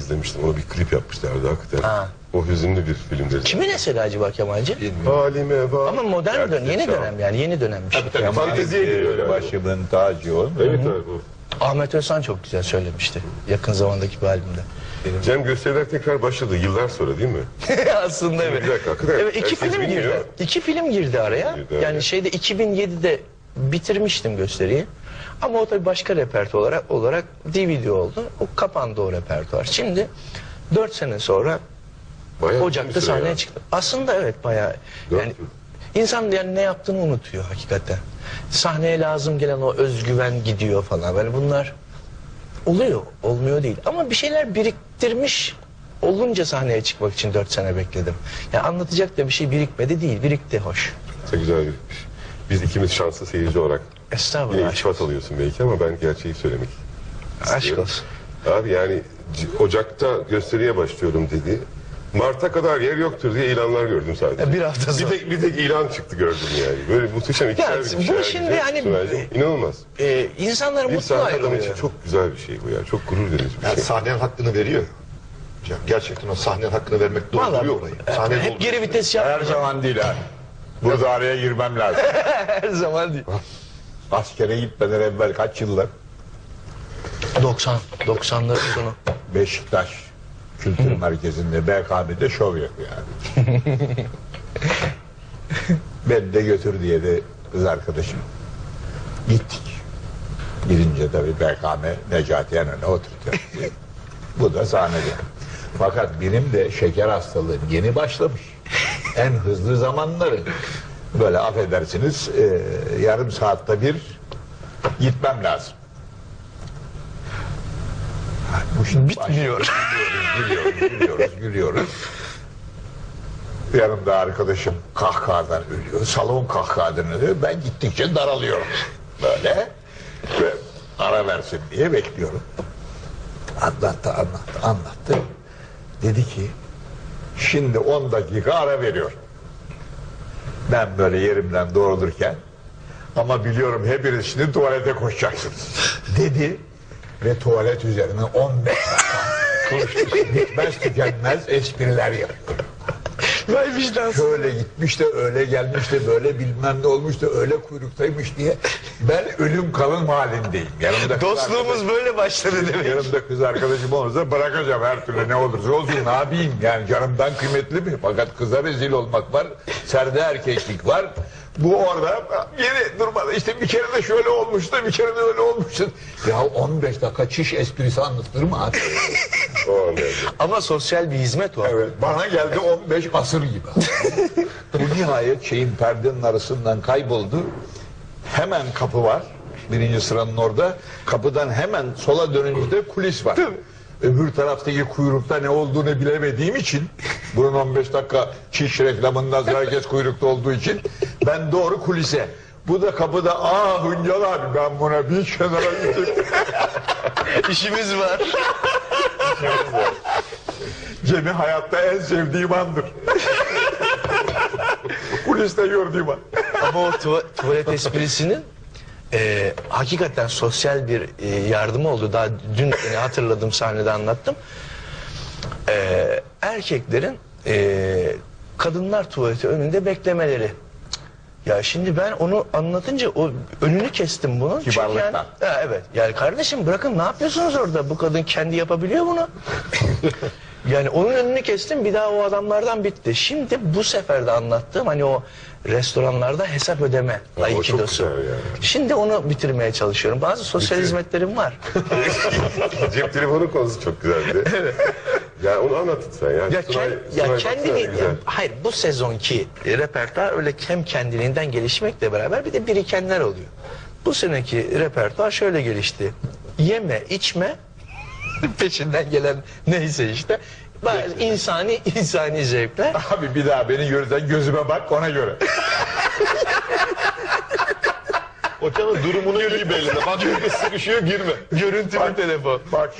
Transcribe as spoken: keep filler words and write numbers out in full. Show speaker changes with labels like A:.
A: izlemiştim. Ona bir klip yapmışlardı hakikaten.
B: Ha.
A: O hüzünlü bir filmdi.
B: Kimin eseri acaba Kemalci?
A: Halime bak.
B: Ama modern dönem, yeni dönem yani yeni dönemmiş.
A: Tabii tabii fanteziye giriyor yani.
C: Başımın tacı o.
A: Evet abi bu.
B: Ahmet Özhan çok güzel söylemişti yakın zamandaki bir albümde.
A: Cem gösteriler tekrar başladı yıllar sonra değil mi?
B: Aslında evet.
A: Bir dakika, hakikaten
B: Evet, iki
A: herkes
B: film
A: bilmiyor.
B: girdi. İki film girdi araya.
A: Girdi,
B: yani
A: evet.
B: şeyde iki bin yedide bitirmiştim gösteriyi. Ama o tabii başka repertuar olarak, olarak D V D oldu. O kapandı o repertuar. Şimdi dört sene sonra
A: Bayağı
B: Ocak'ta
A: bir süre
B: sahneye
A: ya.
B: çıktı. Aslında evet bayağı
A: Dört
B: yani
A: yıl.
B: insan yani ne yaptığını unutuyor hakikaten. Sahneye lazım gelen o özgüven gidiyor falan. Yani bunlar oluyor, olmuyor değil. Ama bir şeyler biriktirmiş olunca sahneye çıkmak için dört sene bekledim. Yani anlatacak da bir şey birikmedi değil, birikti hoş.
A: Çok güzel bir Biz ikimiz şanslı seyirci olarak
B: Estağfurullah.
A: yine
B: Aşk,
A: iltifat alıyorsun belki ama ben gerçeği söylemek
B: aşk
A: istiyorum.
B: olsun.
A: Abi yani C- Ocak'ta gösteriye başlıyorum dedi. Mart'a kadar yer yoktur diye ilanlar gördüm sadece.
B: Bir hafta
A: Bir
B: sonra.
A: tek, bir tek ilan çıktı gördüm yani. Böyle muhteşem iki
B: Ya,
A: şeyler bir
B: bu
A: şeyler
B: şimdi
A: güzel,
B: hani-
A: Sunaycığım. İnanılmaz.
B: Ee, insanlar
A: Bir
B: mutlu
A: sanat adamı için
B: ayrılıyor.
A: çok güzel bir şey bu ya. Çok gurur verici bir
D: Yani
A: şey.
D: sahnenin hakkını veriyor. Ya gerçekten o sahnenin hakkını vermek dolduruyor
B: Vallahi,
D: orayı.
B: e,
D: Sahne
B: hep
D: dolduruyor.
B: geri vites
C: Her
B: yapmayacağım.
C: zaman değil abi. Burada araya girmem lazım.
B: Her zaman değil.
C: Askere gitmeden evvel kaç yıllar
B: doksan, doksanların sonu.
C: Beşiktaş Kültür Merkezi'nde B K M'de şov yapıyor yani. Ben de götür diye de kız arkadaşım. Gittik. Gidince tabii B K M Necati Yenen'e oturtuyor. Bu da sahnede. Fakat benim de şeker hastalığım yeni başlamış. En hızlı zamanları. Böyle affedersiniz e, yarım saatte bir gitmem lazım. Ha, bu şimdi
B: Bitmiyor.
C: Gülüyoruz, gülüyoruz, gülüyoruz. Yanımda arkadaşım kahkahadan ölüyor. Salon kahkahadan ölüyor. Ben gittikçe daralıyorum. Böyle. Ve ara versin diye bekliyorum. Anlattı, anlattı, anlattı. Dedi ki şimdi on dakika ara veriyor. Ben böyle yerimden doğrulurken ama biliyorum hepiniz şimdi tuvalete koşacaksınız dedi ve tuvalet üzerine on beş dakika konuştu. Bitmez tükenmez espriler yapıyor.
B: Vay vicdansız.
C: Şöyle gitmiş de öyle gelmiş de böyle bilmem ne olmuş da öyle kuyruktaymış diye ben ölüm kalım halindeyim. Yanımda kız
B: Dostluğumuz
C: arkadaşım-
B: böyle başladı demek.
C: Yanımda kız arkadaşım olursa bırakacağım her türlü ne olursa olsun ne yapayım yani canımdan kıymetli mi? Fakat kıza rezil olmak var, serde erkeklik var. Bu orada yeni durmadı işte bir kere de şöyle olmuştu bir kere de öyle olmuştu. Ya on beş dakika çiş esprisi anlatılır mı abi?
A: O an geldi.
B: Ama sosyal bir hizmet o.
C: Evet, bana geldi on beş asır gibi. Bu nihayet şeyin perdenin arasından kayboldu. Hemen kapı var. Birinci sıranın orada. Kapıdan hemen sola dönünce de kulis var. Öbür taraftaki kuyrukta ne olduğunu bilemediğim için bunun on beş dakika çiş reklamından sonra herkes kuyrukta olduğu için ben doğru kulise. Bu da kapıda aa Hüncal abi ben buna bir kenara gittim.
B: İşimiz var.
C: Cem'i hayatta en sevdiğim andır. Kuliste gördüğüm an.
B: Ama o tuva- tuvalet esprisinin e, hakikaten sosyal bir e, yardımı oldu. Daha dün e, hatırladım sahnede anlattım. E, erkeklerin e, kadınlar tuvaleti önünde beklemeleri. Ya şimdi ben onu anlatınca o önünü kestim bunun. Çünkü
C: Kibarlıktan.
B: Yani, ha, evet. Yani kardeşim bırakın ne yapıyorsunuz orada? Bu kadın kendi yapabiliyor bunu. Yani onun önünü kestim bir daha o adamlardan bitti. Şimdi bu sefer de anlattığım hani o restoranlarda hesap ödeme
A: Ya o çok
B: aikidosu.
A: güzel yani.
B: Şimdi onu bitirmeye çalışıyorum. Bazı sosyal hizmetlerim var.
A: Cep telefonu konusu çok güzeldi. Ya onu anlatın sen ya.
B: Ya,
A: Sunay-
B: kend,
A: Sunay
B: ya
A: baksana
B: kendini
A: güzel.
B: ya, hayır bu sezonki repertuar öyle hem kendiliğinden gelişmekle beraber bir de birikenler oluyor. Bu seneki repertuar şöyle gelişti. Yeme, içme peşinden gelen neyse işte. Bazı insani insani zevkler.
C: Abi bir daha beni görürsen gözüme bak ona göre.
D: Hocamın durumunu iyi belli. Bak sıkışıyor girme.
B: Görüntülü telefon.
C: Bak